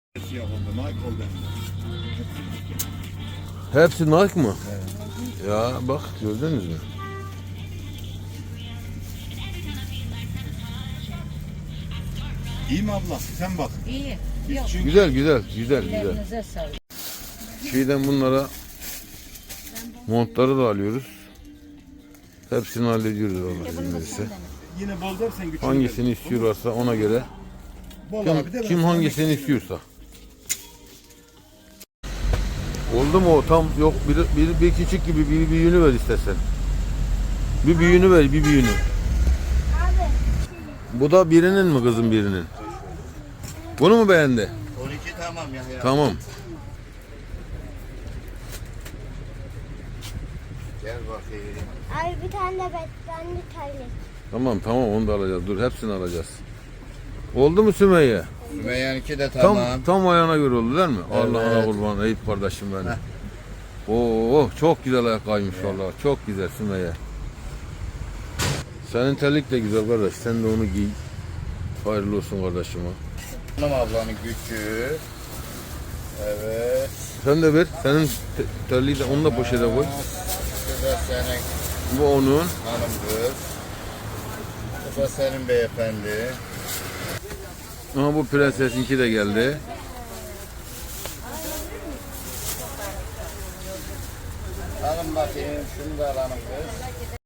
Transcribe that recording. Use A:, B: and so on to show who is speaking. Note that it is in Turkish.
A: Siyah oldu, Nike oldu.
B: Hepsi Nike mı?
A: Evet.
B: Ya bak gördünüz mü?
A: İyi mi abla? Sen bak.
C: İyi.
A: Biz
C: Yok.
A: çünkü
B: Güzel güzel güzel güzel.
C: Ellerinize sağlık.
B: Şeyden bunlara montları da alıyoruz. Hepsini hallediyoruz Allah izin verirse.
A: yine bol dersen güçlü.
B: Hangisini istiyorlarsa ona göre.
A: Bol abi de ben
B: Kim
A: sana
B: hangisini
A: ekmek
B: istiyorsa. Oldu mu o tam yok bir küçük gibi bir büyüğünü ver istersen. Bir büyüğünü ver bir büyüğünü. Bu da birinin mi kızım birinin? Bunu mu beğendi?
A: 12 tamam ya.
B: Tamam.
A: Gel bakayım.
D: Abi bir tane de beslenli terlik.
B: Tamam onu da alacağız. Dur hepsini alacağız. Oldu mu Sümeyye?
A: Sümeyye'ninki de tamam.
B: Tam ayağına göre oldu değil mi?
A: Evet.
B: Allah'ına kurban Eyüp kardeşim benim. Oo çok güzel ayakkabıymış vallahi. Çok güzel Sümeyye. Senin terlik de güzel kardeş. Sen de onu giy. Hayırlı olsun kardeşim.
A: Hanım ablanın gücü. Evet.
B: Sen de ver. Senin terliği de onu da poşete koy.
A: Bu da senin
B: Bu onun.
A: hanım kız. Bu da senin beyefendi.
B: Ama bu prensesinki de geldi.
A: Alın bakayım şunu da alalım kız.